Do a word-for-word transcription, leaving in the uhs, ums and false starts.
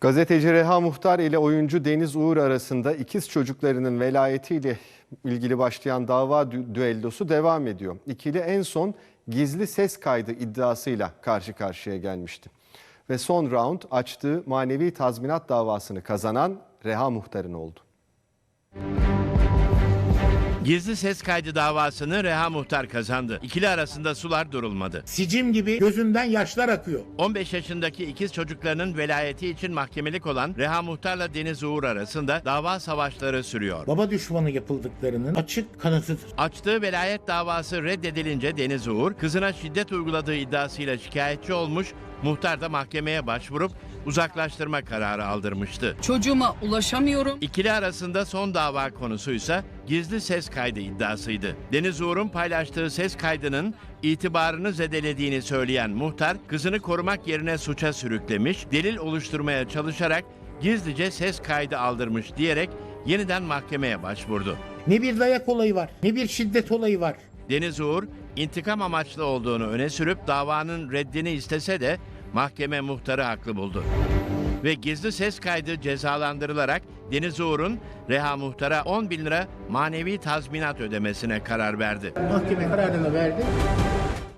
Gazeteci Reha Muhtar ile oyuncu Deniz Uğur arasında ikiz çocuklarının velayetiyle ilgili başlayan dava dü- düellosu devam ediyor. İkili en son gizli ses kaydı iddiasıyla karşı karşıya gelmişti. Ve son round açtığı manevi tazminat davasını kazanan Reha Muhtar'ın oldu. Gizli ses kaydı davasını Reha Muhtar kazandı. İkili arasında sular durulmadı. Sicim gibi gözünden yaşlar akıyor. on beş yaşındaki ikiz çocuklarının velayeti için mahkemelik olan Reha Muhtar'la Deniz Uğur arasında dava savaşları sürüyor. Baba düşmanı yapıldıklarının açık kanıtıdır. Açtığı velayet davası reddedilince Deniz Uğur, kızına şiddet uyguladığı iddiasıyla şikayetçi olmuş, muhtar da mahkemeye başvurup uzaklaştırma kararı aldırmıştı. Çocuğuma ulaşamıyorum. İkili arasında son dava konusuysa gizli ses kaydı iddiasıydı. Deniz Uğur'un paylaştığı ses kaydının itibarını zedelediğini söyleyen muhtar, kızını korumak yerine suça sürüklemiş, delil oluşturmaya çalışarak gizlice ses kaydı aldırmış diyerek yeniden mahkemeye başvurdu. Ne bir dayak olayı var, ne bir şiddet olayı var. Deniz Uğur, intikam amaçlı olduğunu öne sürüp davanın reddini istese de mahkeme muhtarı haklı buldu. Ve gizli ses kaydı cezalandırılarak Deniz Uğur'un Reha Muhtar'a on bin lira manevi tazminat ödemesine karar verdi. Mahkeme kararını verdi.